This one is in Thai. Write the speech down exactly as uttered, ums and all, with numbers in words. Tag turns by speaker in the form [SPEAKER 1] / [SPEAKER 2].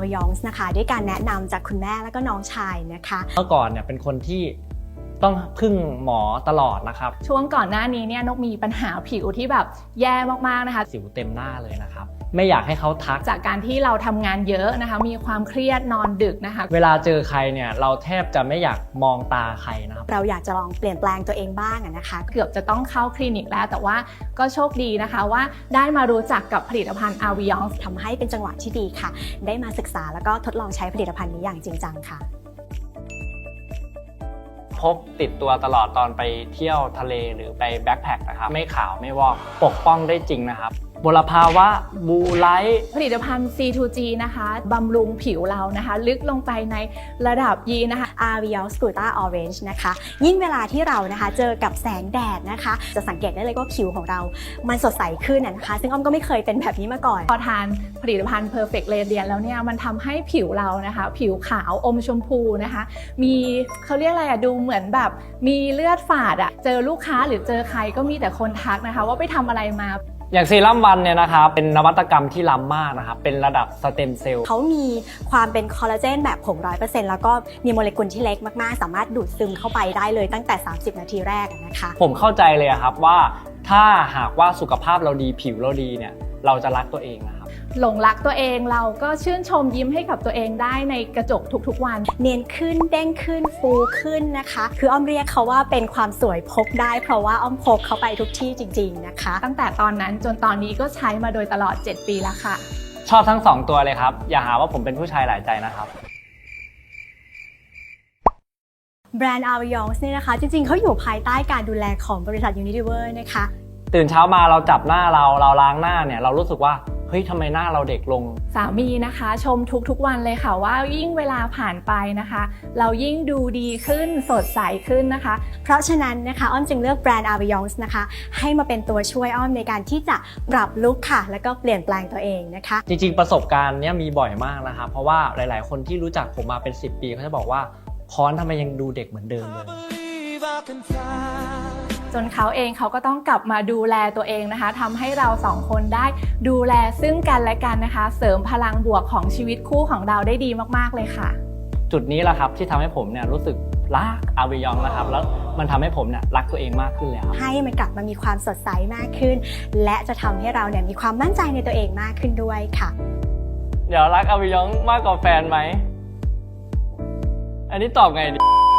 [SPEAKER 1] อาวิยองส์นะคะด้วยการแนะนำจากคุณแม่แล้วก็น้องชายนะคะ
[SPEAKER 2] เมื่อก่อนเนี่ยเป็นคนที่ต้องพึ่งหมอตลอดนะครับ
[SPEAKER 3] ช่วงก่อนหน้านี้เนี่ยนกมีปัญหาผิวที่แบบแย่มากๆนะคะ
[SPEAKER 2] สิวเต็มหน้าเลยนะครับไม่อยากให้เขาทัก
[SPEAKER 3] จากการที่เราทำงานเยอะนะคะมีความเครียดนอนดึกนะคะ
[SPEAKER 2] เวลาเจอใครเนี่ยเราแทบจะไม่อยากมองตาใครนะครับ
[SPEAKER 1] เราอยากจะลองเปลี่ยนแปลงตัวเองบ้างนะคะ
[SPEAKER 3] เกือบจะต้องเข้าคลินิกแล้วแต่ว่าก็โชคดีนะคะว่าได้มารู้จักกับผลิตภัณฑ์อาวิยองส์
[SPEAKER 1] ทำให้เป็นจังหวะที่ดีค่ะได้มาศึกษาแล้วก็ทดลองใช้ผลิตภัณฑ์นี้อย่างจริงจังค่ะ
[SPEAKER 2] พกติดตัวตลอดตอนไปเที่ยวทะเลหรือไปแบ็คแพคนะครับไม่ขาวไม่วอกปกป้องได้จริงนะครับมลภาวะบลูไลท์
[SPEAKER 3] ผลิตภัณฑ์ ซี ทู จี นะคะบำรุงผิวเรานะคะลึกลงไปในระดับยีนะคะ
[SPEAKER 1] Avion Scuta Orange นะคะยิ่งเวลาที่เรานะคะเจอกับแสงแดดนะคะจะสังเกตได้เลยว่าผิวของเรามันสดใสขึ้นนะคะซึ่งอ้อมก็ไม่เคยเป็นแบบนี้มาก่อน
[SPEAKER 3] พอทานผลิตภัณฑ์ Perfect Radiance แล้วเนี่ยมันทำให้ผิวเรานะคะผิวขาวอมชมพูนะคะมีเขาเรียกอะไรอะดูเหมือนแบบมีเลือดฝาดอะเจอลูกค้าหรือเจอใครก็มีแต่คนทักนะคะว่าไปทำอะไรมา
[SPEAKER 2] อย่างเซรั่มวันเนี่ยนะครับเป็นนวัตกรรมที่ล้ำมากนะครับเป็นระดับสเต็มเซลล์
[SPEAKER 1] เขามีความเป็นคอลลาเจนแบบผง ร้อยเปอร์เซ็นต์ แล้วก็มีโมเลกุลที่เล็กมากๆสามารถดูดซึมเข้าไปได้เลยตั้งแต่สามสิบนาทีแรกนะคะ
[SPEAKER 2] ผมเข้าใจเลยครับว่าถ้าหากว่าสุขภาพเราดีผิวเราดีเนี่ยเราจะรักตัวเองนะครับ
[SPEAKER 3] หลงรักตัวเองเราก็ชื่นชมยิ้มให้กับตัวเองได้ในกระจกทุกๆวัน
[SPEAKER 1] เนียนขึ้นเด้งขึ้นฟูขึ้นนะคะคืออ้อมเรียกเขาว่าเป็นความสวยพกได้เพราะว่าอ้อมพกเขาไปทุกที่จริงๆนะคะ
[SPEAKER 3] ตั้งแต่ตอนนั้นจนตอนนี้ก็ใช้มาโดยตลอดเจ็ดปีแล้วค่ะ
[SPEAKER 2] ชอบทั้งสองตัวเลยครับอย่าหาว่าผมเป็นผู้ชายหลายใจนะครับ
[SPEAKER 1] แบรนด์ Avion เนี่ยนะคะจริงๆเขาอยู่ภายใต้การดูแลของบริษัท Unilever นะคะ
[SPEAKER 2] ตื่นเช้ามาเราจับหน้าเราเราล้างหน้าเนี่ยเรารู้สึกว่าเฮ้ยทำไมหน้าเราเด็กลง
[SPEAKER 3] สามีนะคะชมทุกๆวันเลยค่ะว่ายิ่งเวลาผ่านไปนะคะเรายิ่งดูดีขึ้นสดใสขึ้นนะคะ
[SPEAKER 1] เพราะฉะนั้นนะคะอ้อมจึงเลือกแบรนด์ Avion นะคะให้มาเป็นตัวช่วยอ้อมในการที่จะปรับลุคค่ะแล้วก็เปลี่ยนแปลงตัวเองนะคะ
[SPEAKER 2] จริงๆประสบการณ์เนี้ยมีบ่อยมากนะคะเพราะว่าหลายๆคนที่รู้จักผมมาเป็นสิบปีเขาจะบอกว่าพรทำไมยังดูเด็กเหมือนเดิมเลย
[SPEAKER 3] จนเขาเองเขาก็ต้องกลับมาดูแลตัวเองนะคะทำให้เราสองคนได้ดูแลซึ่งกันและกันนะคะเสริมพลังบวกของชีวิตคู่ของเราได้ดีมากๆเลยค่ะ
[SPEAKER 2] จุดนี้แหละครับที่ทำให้ผมเนี่ยรู้สึกรักอาวิยองนะครับแล้วมันทำให้ผมเนี่ยรักตัวเองมากขึ้นแล้ว
[SPEAKER 1] ให้มันกลับมามีความสดใสมากขึ้นและจะทำให้เราเนี่ยมีความมั่นใจในตัวเองมากขึ้นด้วยค่ะ
[SPEAKER 2] เดี๋ยวรักอาวิยองมากกว่าแฟนไหมอันนี้ตอบไงดี